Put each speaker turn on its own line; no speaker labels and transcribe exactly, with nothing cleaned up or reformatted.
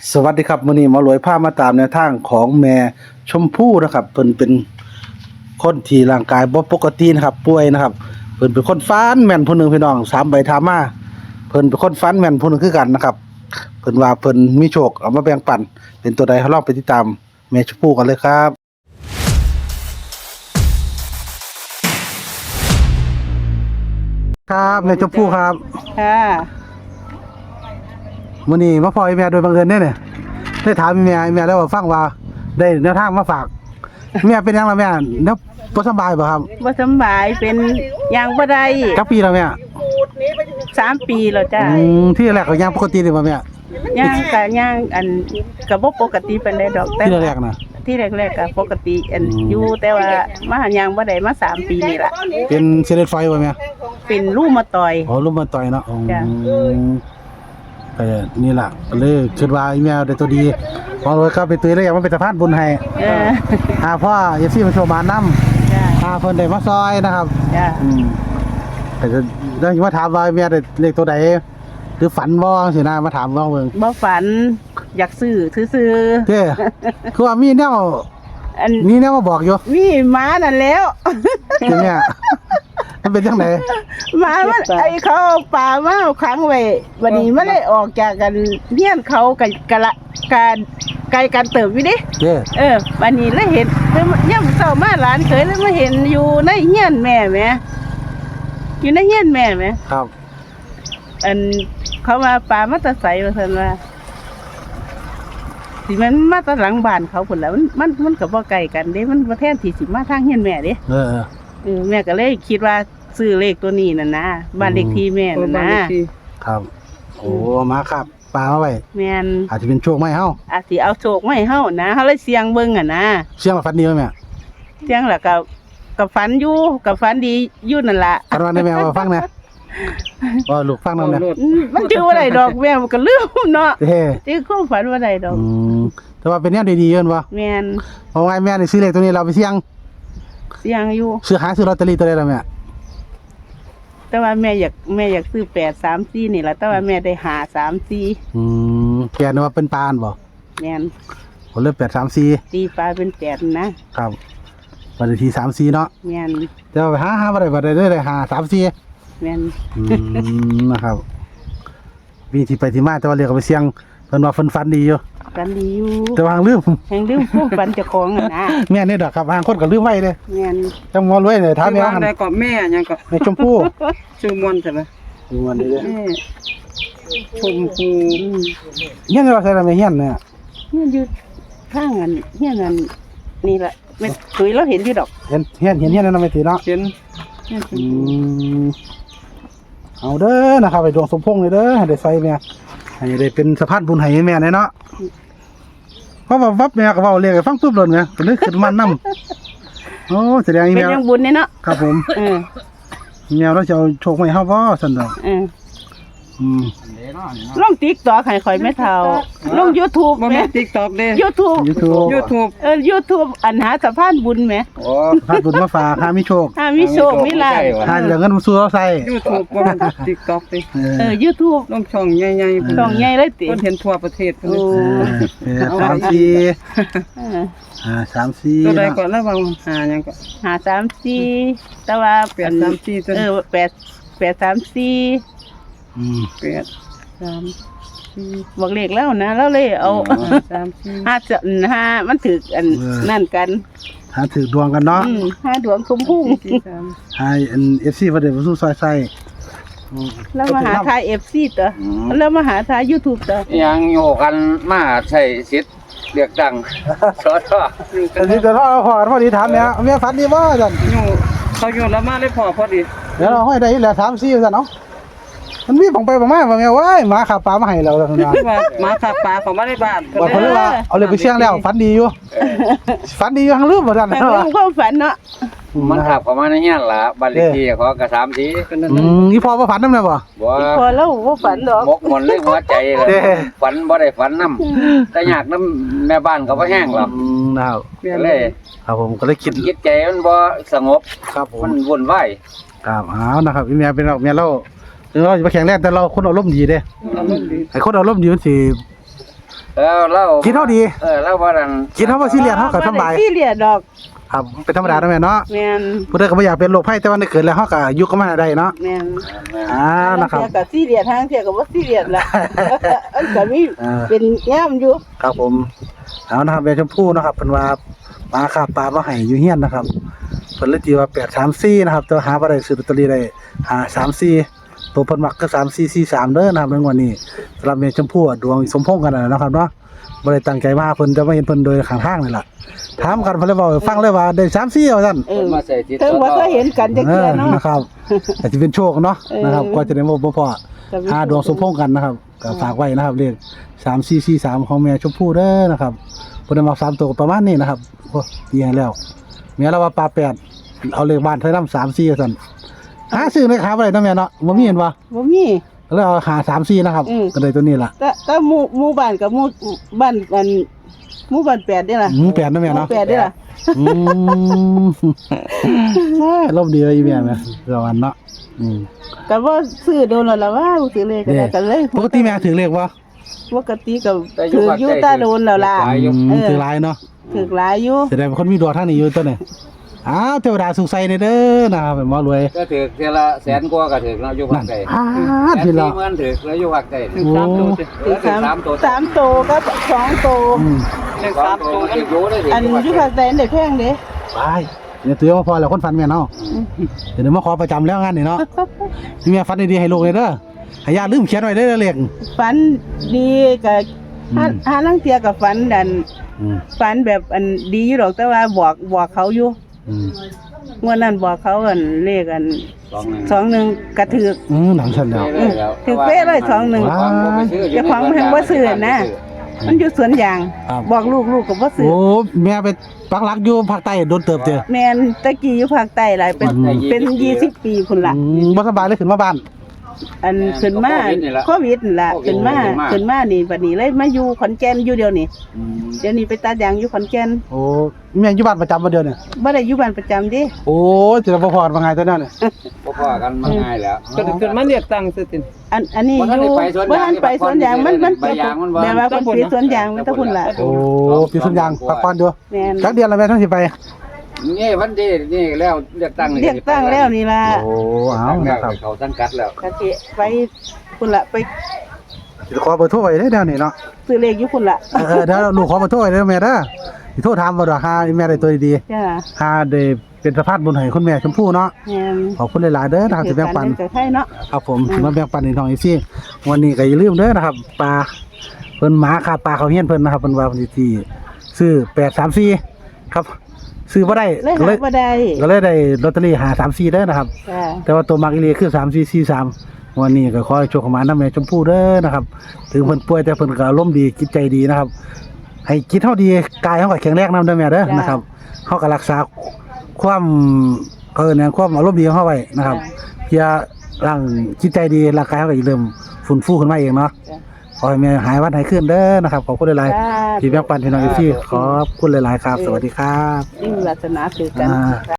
สวัสดีครับมื้อนี้หมารวยพามาตามแนวทางของแม่ชมพู่นะครับเพิ่นเป็นคนที่ร่างกายบ่ปกตินะครับป่วยนะครับเพิ่นเป็นคนฟันแม่นผู้หนึงพี่น้องสามใบถามมาเพิ่นเป็นคนฟันแม่นผู้หนึงคือกันนะครับเพิ่นว่าเพิ่นมีโชคเอามาแบ่งปันเป็นตัวใดเราลองไปติดตามแม่ชมพู่กันเลยครับครับแม่ชมพู่ครับ
ค่ะ
มื้อนี้มาพออีแม่โดยบังเอิญเด้เนี่ยได้ถามอีแม่อีแม่แล้วว่าฟังว่าได้แนวทางมาฝากแม่เป็นหยังล่ะแม่เนาะบ่สบายบ่ครับ
บ่สำบายเป็นยางบ่ได้
จักปีแล้วแม่
สามปีแล้วจ้า
อืมที่แรกก็ยังปกติเลยบ่แม่
ย่างกะย่างอันก็บ่ปกติปานใดดอกแต่
ที่แรกๆน่ะ
ที่แรกๆก็ปกติอัน
อืม
อยู่แต่ว่ามาหายางบ่ได้มาสามปีนี่ล่ะ
เป็นเส้นเลือดไฟบ่แม่
เป็นรูมาตอย
อ๋อลมมันต่อยเนาะอืม
จ้ะ
ก็นี่ล่ะก็เลยคิดว่าอีแม่ได้ตัวดีพอรวยก็ไปตื้อเลยอยากมาเป็นสะพานบุญให้
เออ
หาพ่อเอฟซีมาโชว์มานำ
จ้า
หาเพิ่นได้มาซอยนะครับ
จ้า
อืมแต่จะได้มาถามว่าแม่ได้เลขตัวใดหรือฝันบ่สินะมาถามว่าเบิ่ง
บ่ฝันอยากซื้อซื่อ
เด้คือว่ามีแนว
ๆอัน
มีแนวมาบอกอยู่
มีหมานั่นแล้ว
ใช่ไหมอะมันเป็นจังได
หมามันไอ้เขาเอาปลามาขังไว้วันนี้มันเลยออกจากกันเฮียนเขากับกะละการไกลกันเติบอยู่ดิ
เด้
เออวันนี้เลยเห็นเลยย่ำเศร้ามาหลานเคยเลยมาเห็นอยู่ในเฮียนแม่แหมอยู่ในเฮียนแม่แหม
ครับ
อันเขามาปลามาแตะใสว่าซั่นว่าสิมันมาแตะหลังบ้านเขาพุ่นแหล้วมันมันมันก็บ่ไกลกันเด้มันบ่แทนที่สิมาทางเฮียนแม่เด้
เออเออ
เออแม่ก็เลยคิดว่าซื้อเลขตัวนี้น่ะนะบ้านเลขที่แม่น่ะนะ
ครับโอ้มาครับปลามาไว้
แม่น
อาจจะเป็นโชคไหมเฮา
อาจสิเอาโชคมาให้เฮานะเฮาเลยเสี่ยงเบิ่งอ่ะนะ
เสียงว่าฝันดีไหมแม่
เสี่ยงแล้วก็ก็ฝันอยู่ก็ฝันดีอยู่นั่นล่ะ
ฝันว่าได้แม่ว่าฟังนะว่าลูกฟังนำนะ
อืมมันชื่อว่าไดดอกแม่มันก็ลืมเนาะ
เด้
ชื่อความฝันว่าไดดอก
อืมแต่ว่าเป็นแนวดีๆเอิ้นบ่
แม่น
เพราะว่าแม่นี่ซื้อเลขตัวนี้เราไปเสี่ยง
เสี่ยงอยู่
ซื้อหาซื้อลอตเตอรี่ตัวใดล่ะแม่
แต่ว่าแม่อยากแม่อยากซื้อแปดสามสี่นี่ล่ะแต่ว่าแม่ได้หาสามสี่
อืมแกนึกว่าเป็นปานบ่
แม่น
ผมเลยแปดสามสี่
ตีปลาเป็นแปดนะครับ
วันที่สามสี่เนาะ
แม่น
แต่ว่าไปหาหาบ่ได้บ่ได้เลยหาสามสี่
แม่น
อืมนะครับมีที่ไปที่มาแต่ว่าเรียกเอาไปเสี่ยงเพิ่นว่าเพิ่นฝันดีอยู่
กันดีอยู่
แต่ว่าลืม
แห่งลืมความฝันเจ้าของอ่ะนะ
แม่นี่ดอกครับบางคนก็ลืมไว้เด้
แม่น
จังมอรวยเลยถามแม่
ว่า
หั่น
ได้ก็แม่หยังก็
ในชมพู่
ชื่อมวนใช่ไหม
ดูมันดีเด้อ
แม่ชมพู
อืม
เฮียนว่าใส่ละแม่เฮียนเนี่ย
เฮียนอยู่ข้างอันเฮียนอันนี่แหละแม่เคยเราเห็นอยู่ดอก
เห็นเฮียนเห็นเฮียนนั่นไม่ตีเนาะ
เห็น
อืมเอาเด้อนะครับไปดวงสมพงษ์เลยเด้อให้ได้ใส่แม่ให้ได้เป็นสะพานบุญให้แม่แน่เนาะเพราะว่าวับแม่ก็เว้าเรียกให้ฟังปุ๊บเลยไงก็เลยขึ้นมานำโอ้แสดงอี
เป็น
แม่
ยังบุญเนี่ยเนาะ
ครับผม
เออ
แมวเราจะเอาโชคมาให้เฮาบ่ซั่นดอก
เออ
อืม
ลงติ๊กต็อกให้ข่อยแม่เฒ่าลง YouTube
บ่
แม่
แม่น TikTok เด้
YouTube
YouTube
YouTube
เออ YouTube อันหาสะพานบุญแหม
โอ้
พาบุญมาฝากหามีโชค
ถ้ามีโชคมีลาภ
หาเหลือเงินมาสู่เราใส่
YouTube บ่แม่น TikTok เด้
เออ
เออ YouTube
ลงช่องใหญ่ๆเพิ่น
ช่องใหญ่เลยติ
เพิ่นเห็นทั่วประเทศเพิ่น
โอ้
เลย
เออสามสี่
เออ
อ่าสามสี่
ตัวใด
เนาะ
ก็ระวังหาหยังก็
หาสามสี่แต่ว่า
แปดสามสี่ตัว
เออแปดแปดสามสี่
อืม
แปดสามสี่
บอกเลขแล้วนะแล้วเลยเอา
ห้าสามสี่
ห้าจะห้ามันถึกอันนั่นกัน
หาถือดวงกันเนาะ
อืมห้าดวงสมพุ่ง
สี่สาม
ให้อัน เอฟ ซี บ่ได้มาสู่ซอยใส่อืม
แล้วมาหาทายเอฟซีตัวแล้วมาหาทายยูทูบตัว
ยังโยกันมาใช้สิทธิ์เลือกตั้ง สอทอ
แต่สิแต่ถ้าเราพอกันพอดีถามเนี่ยแม่ฝันดีบ่ซั่น
อยู่เขาอยู่ละมาเลยพอพอดี
เดี๋ยวเราห้อยได้อีกแล้วสามสี่ซั่นเนาะมันมีของไปบ่มาว่าแม่ว้ายหมาขับปลามาให้เราแล้วซั่นว่า
ว่าหมาขับปลาเข้ามาในบ้าน
บอกเพิ่นเลยว่าเอาเลยไปเสี่ยงแล้วฝันดีอยู่ฝันดีอยู่ทั้งลืมบ่ซั่น
แต่
เนาะ
เรื่องความฝันเนาะ
มันขับเข้ามาในเฮียนล่ะบ้านเลขที่เขาก็สามที
ก็นั่น
อื
น่ะ
มอีพ่อบ่ฝันนำเลยบ่
บ่
พอแล้วว่าฝันดอก
มกหมดเลยหัวใจเลย
เด้
ฝันบ่ได้ฝันนำแต่อยากนำแม่บ้านก็บ่แห้งหรอก
อืมนะครับ
ก็เลย
ครับผมก็เลยคิด
จิตใจมันบ่สงบ
ครับผม
มันวุ่นวาย
ครับเอานะครับอีเมียเป็นเราเมียเราถึงเราจะมาแข่งแรกแต่เราคนอารมณ์ดีเด้
อารมณ์ดี
ไอ้คนอารมณ์ดีมันสิ
แล้วเรา
กินเท่าดี
เออเราบ่ดัน
กินเท่าว่าซีเรียสเฮาก็สำบาย
บ่ได้ซีเรียสดอก
ครับเป็นธรรมดาเนาะแม่เนาะ
แม่น
ผู้ใดก็บ่อยากเป็นโรคภัยแต่ว่าในเกิดแล้วเฮาก็อยู่กับมันได้เนาะ
แม่น
อ่านะครับ
ทางเที่ยก็ซีเรียสทางเที่ยก็บ่ซีเรียสล่ะ อันก็มี
อ่า
เป็นแย้มอยู่
ครับผมเอานะครับแม่ชมพู่นะครับเพิ่นว่าปลาคาบปลามาให้อยู่เฮียนนะครับเพิ่นเลยตีว่าแปดสามสี่นะครับแต่ว่าหาบ่ได้ซื้อลอตเตอรี่ได้หาสามสี่ตัวเพิ่นมักก็สามสี่สี่สามเด้อนะครับในวันนี้สำหรับแม่ชมพู่อะดวงสมพงษ์กันน่ะนะครับเนาะบ่ได้ตั้งใจมาเพิ่นจะมาเห็นเพิ่นโดยข้างทางนี่ล่ะถามกันเพิ่นเลยเว้าให้ฟังเลยว่าได้สามสี่ว่าซั่น
เออ
มาใส่ทิศ
เพิ่งบ่เคยเห็นกันจัก
เอ
เทื่อ
อ
เนาะ
นะครับอาจจะเป็นโชคเนาะ
เออ
นะครับก็จะได้บ่บ่พอ
ก็มี
หาดวงสมพงษ์กันนะครับก็ฝากไว้นะครับเลขสามสี่สี่สามของแม่ชมพู่เด้อนะครับเพิ่นได้มาสามตัวก็ประมาณนี้นะครับโอ้ตีให้แล้วแม่เราว่าปลาแปดเอาเลขบ้านเธอนำสามสี่ว่าซั่นหาซื้อในขาบ่ได้เนาะแม่เนาะบ่มีเห็นบ่
บ่มี
ก็เลยเอาหาสามสี่นะครับ
อืม
ก็เลยตัวนี้ล่ะ
แต่แต่หมู่หมู่บ้านกับหมู่บ้านอันหมู่บ้านแปดเด้ล่ะ
หมูแปดเนาะแม่
หมู่
เนาะ
แปดเด้ล่ะ
อืมลมณ์ดีเลยอีแม่แม่เดี๋ยววันเนาะอืม
ก็บ่ซื้อโดนแล้วล่ะว่าบ่ซื้อเลขก็ได้ก็เลย
ปกติแม่ถือเลขบ่
ปกติก็ถืออยู่ตาโดนแล้วล่ะ
อืม
เออ
ถือหลายเนาะ
ถือหลายอยู่
แสดงเป็นคนมีดวงทางนี้อยู่ตัวนี่อ้าวเทวดาสุขใสในเด้อนะครับเป็นหมอรวย
ก็ถือเทอละแสนกว่าก็ถือแล้วอยู่ภา
นั่
คน ใต้
อ้า
แสน
พี่เรา
สี่หมื่นถือแล้วอยู่ภาคใต้
ถึงสามตัวสิ
เออถือสามตัว
สามโตก็สองโต
อืม
เลข
สา
สาม ม
ตั
ตัว ว
มันอยู่ได้
อันอยู่ภาคใต้ได้แพงเด้
ไปเนี่ยตัวมาพอแล้วคนฟันแม่เนาะเดี๋ยวมาขอประจำแล้วงานนี่เนาะนี่แม่ฟันดีๆให้ลูกเลยเด้อให้ญาติลืมเขียนไว้เด้อเลข
ฝันดีก็หาหาลังเที่ยก็ฝันดัน
อืม
ฝันแบบอันดีอยู่ดอกแต่ว่าบอกบอกเขาอยู่
อืม
งวดนั้นบอกเขาอันเลขอัน
สองหนึ่ง
สองหนึ่งกระถือ
อืมหนังฉันแล้ว
ถือเป๊ะเลยสองหนึ่ง เจ้าของมันแพงบ่ซื้อนะ มันอยู่สวนยาง
ครับ
บอกลูกลูกก็บ่ซื้อ
โอ้แม่ไปปักหลักอยู่ภาคใต้โดนเติบเจอ
แม่นตะกี้อยู่ภาคใต้หลายเป็น
อืม
เป็นยี่สิบปีพุ่นล่ะ
อืมบ่สบายเลยขึ้นมาบ้าน
อันขึ้นมาโควิดนั่นล่ะขึ้นมาขึ้นมานี่บัดนี้เลยมาอยู่ขอนแก่นอยู่เดียวนี่เดี๋ยวนี้ไปตัดยางอยู่ขอนแก่น
โอ้แม่อยู่บ้านประจำบ่เดียวเนี่ย
บ่ได้อยู่บ้านประจำเดิ
โอ้จะบ่พอดว่าไงตัวนั้นเนี่ย
พอๆกันมันง่ายแล้ว
ก็ถึงมาเรียกตังค์สิติน
อันอันนี้
บ่ทั
อน
ได้
ยู่
ไปสวน
บ่
ยาง
ทันไปสวนยางมันมัน
ใบยางมันบ่
แบบว่าคนปีสวนยางมันตะพุ่นล่ะ
โอ้ปีสุนยางพักผ่อนอยู่
แม่น
จักเดือนละแม่ต้องสิไป
นี่วันที่นี่แล้วเลือกตั้งนี่
เรียกตั้งแล้วนี่ล่ะ
โอ้เอา
แล้
นะ
ว
ครับ
เขาสังกัดแล้ว
กะสิไปพุ่นล่ะไป
สิขอเบอร์โทรไว้เด้อเดี๋ยวนี้เนาะ
ซื้อเลขอยู่พุ่นล่ะ
เออเดี๋ยวลูกขอเบอร์โทรไว้เด้อแม่เด้อสิโทรถามบ่ดอกหาแม่ได้ตัวดี
จ้า
ๆหาได้เป็นสะพานบุญให้คุณแม่ชมพู่เนาะ
แม่น
ขอบคุณหลายๆเด้อนะครับที่แบ่งปัน
กับใครเนาะ
ครับผมที่มาแบ่งปันให้น้องอีซี่วันนี้ก็อย่าลืมเด้อนะครับปลาเพิ่นหมาคาปลาเขาเฮียนเพิ่นนะครับเพิ่นว่าเพิ่นสิที่ซื้อแปดสามสี่ครับซื้อบ่ได้
เลย
ก็
หา
เลย
บ่ได้
ก็เลยได้ลอตเตอรี่หาสามสี่เด้อนะครับ
จ้า
แต่ว่าตัวมักอีหลีคือสามสี่สี่สามวันนี้ก็ขอให้โชคของหมาน้ำแม่ชมพู่เด้อนะครับถึงเพิ่นป่วยแต่เพิ่นก็อารมณ์ดีจิตใจดีนะครับ ให้จิตเฮาดีกายเฮาก็แข็งแรงนำเด้อแม่เด้อนะครับเฮาก็รักษาความเออเนี่ยความอารมณ์ดีของเฮาไว้นะครับ เพื่อร่างจิตใจดีร่างกายเขาก็จะเริ่มฟื้นฟูขึ้นมาเองเนาะขอให้แม่หายวันหายขึ้นเด้อนะครับขอบคุณหลายๆที่แบ่งปันพี่น้องอีกที่ขอบคุณหลายๆครับ สวัสดีครับ
นี่วาสนาคือกัน
อ่า